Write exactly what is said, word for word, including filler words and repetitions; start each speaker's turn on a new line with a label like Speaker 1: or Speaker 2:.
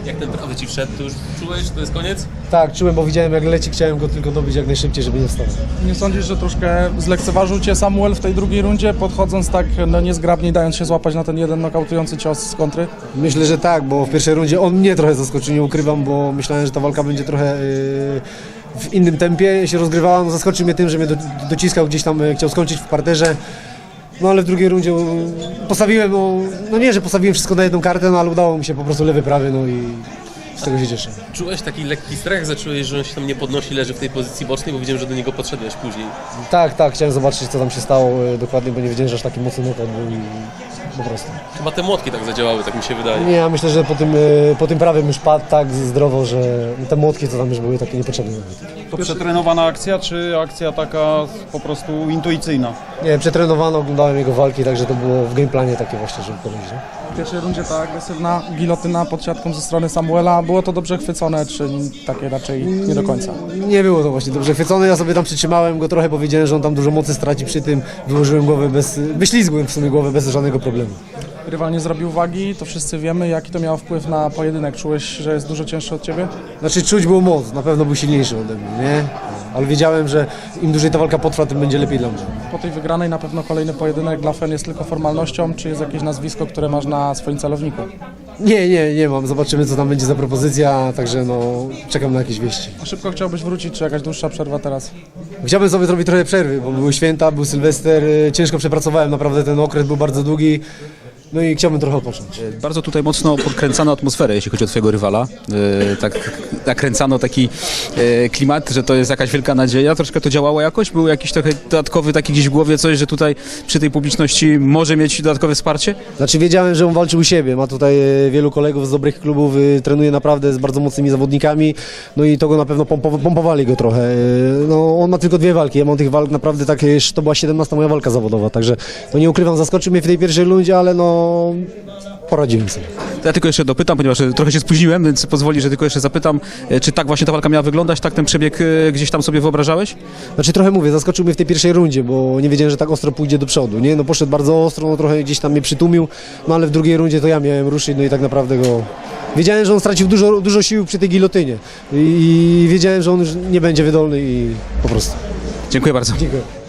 Speaker 1: Jak ten prawy ci wszedł, to już czułeś, że to jest koniec?
Speaker 2: Tak, czułem, bo widziałem jak leci, chciałem go tylko dobić jak najszybciej, żeby nie wstał.
Speaker 3: Nie sądzisz, że troszkę zlekceważył cię Samuel w tej drugiej rundzie, podchodząc tak no, niezgrabnie, dając się złapać na ten jeden nokautujący cios z kontry?
Speaker 2: Myślę, że tak, bo w pierwszej rundzie on mnie trochę zaskoczył, nie ukrywam, bo myślałem, że ta walka będzie trochę yy, w innym tempie się rozgrywała. No, zaskoczył mnie tym, że mnie do, dociskał gdzieś tam, yy, chciał skończyć w parterze. No ale w drugiej rundzie yy, postawiłem, no, no nie, że postawiłem wszystko na jedną kartę, no ale udało mi się po prostu lewy, prawy, no i z tego się cieszę.
Speaker 1: Czułeś taki lekki strach, zacząłeś, że on się tam nie podnosi, leży w tej pozycji bocznej, bo widziałem, że do niego podszedłeś później.
Speaker 2: Tak, tak, chciałem zobaczyć, co tam się stało yy, dokładnie, bo nie wiedziałem, że aż taki mocny knockout był i po prostu.
Speaker 1: Chyba te młotki tak zadziałały, tak mi się wydaje.
Speaker 2: Nie, ja myślę, że po tym, yy, po tym prawym już padł tak zdrowo, że te młotki, co tam już były, takie niepotrzebne.
Speaker 4: To przetrenowana akcja, czy akcja taka po prostu intuicyjna?
Speaker 2: Nie, przetrenowano, oglądałem jego walki, także to było w gameplanie takie właśnie, żeby powiedzieć. Nie?
Speaker 3: W pierwszej rundzie ta agresywna gilotyna pod siatką ze strony Samuela, było to dobrze chwycone, czy takie raczej nie do końca?
Speaker 2: Nie było to właśnie dobrze chwycone, ja sobie tam przytrzymałem go trochę, powiedziałem, że on tam dużo mocy straci przy tym, wyłożyłem głowę bez, wyślizgłem w sumie głowę bez żadnego problemu.
Speaker 3: Rywal nie zrobił wagi, to wszyscy wiemy, jaki to miało wpływ na pojedynek. Czułeś, że jest dużo cięższy od ciebie?
Speaker 2: Znaczy czuć było moc, na pewno był silniejszy ode mnie, nie? Ale wiedziałem, że im dłużej ta walka potrwa, tym będzie lepiej dla mnie.
Speaker 3: Po tej wygranej na pewno kolejny pojedynek dla F E N jest tylko formalnością, czy jest jakieś nazwisko, które masz na swoim celowniku?
Speaker 2: Nie, nie, nie mam, zobaczymy co tam będzie za propozycja, także no czekam na jakieś wieści.
Speaker 3: A szybko chciałbyś wrócić, czy jakaś dłuższa przerwa teraz?
Speaker 2: Chciałbym sobie zrobić trochę przerwy, bo były święta, był Sylwester, ciężko przepracowałem, naprawdę ten okres był bardzo długi. No i chciałbym trochę odpocząć.
Speaker 5: Bardzo tutaj mocno podkręcano atmosferę, jeśli chodzi o twojego rywala. Yy, tak nakręcano taki yy, klimat, że to jest jakaś wielka nadzieja. Troszkę to działało jakoś? Był jakiś trochę dodatkowy taki gdzieś w głowie coś, że tutaj przy tej publiczności może mieć dodatkowe wsparcie?
Speaker 2: Znaczy wiedziałem, że on walczył u siebie, ma tutaj e, wielu kolegów z dobrych klubów, e, trenuje naprawdę z bardzo mocnymi zawodnikami, no i to go na pewno pompow pompowali go trochę. E, no on ma tylko dwie walki, ja mam tych walk naprawdę tak, to była siedemnasta moja walka zawodowa, także no nie ukrywam, zaskoczył mnie w tej pierwszej rundzie, ale no poradziłem sobie.
Speaker 5: To ja tylko jeszcze dopytam, ponieważ trochę się spóźniłem, więc pozwoli, że tylko jeszcze zapytam, czy tak właśnie ta walka miała wyglądać, tak ten przebieg gdzieś tam sobie wyobrażałeś?
Speaker 2: Znaczy trochę mówię, zaskoczył mnie w tej pierwszej rundzie, bo nie wiedziałem, że tak ostro pójdzie do przodu, nie? No poszedł bardzo ostro, no trochę gdzieś tam mnie przytłumił, no ale w drugiej rundzie to ja miałem ruszyć, no i tak naprawdę go... Wiedziałem, że on stracił dużo, dużo sił przy tej gilotynie i wiedziałem, że on już nie będzie wydolny i po prostu.
Speaker 5: Dziękuję bardzo.
Speaker 2: Dziękuję.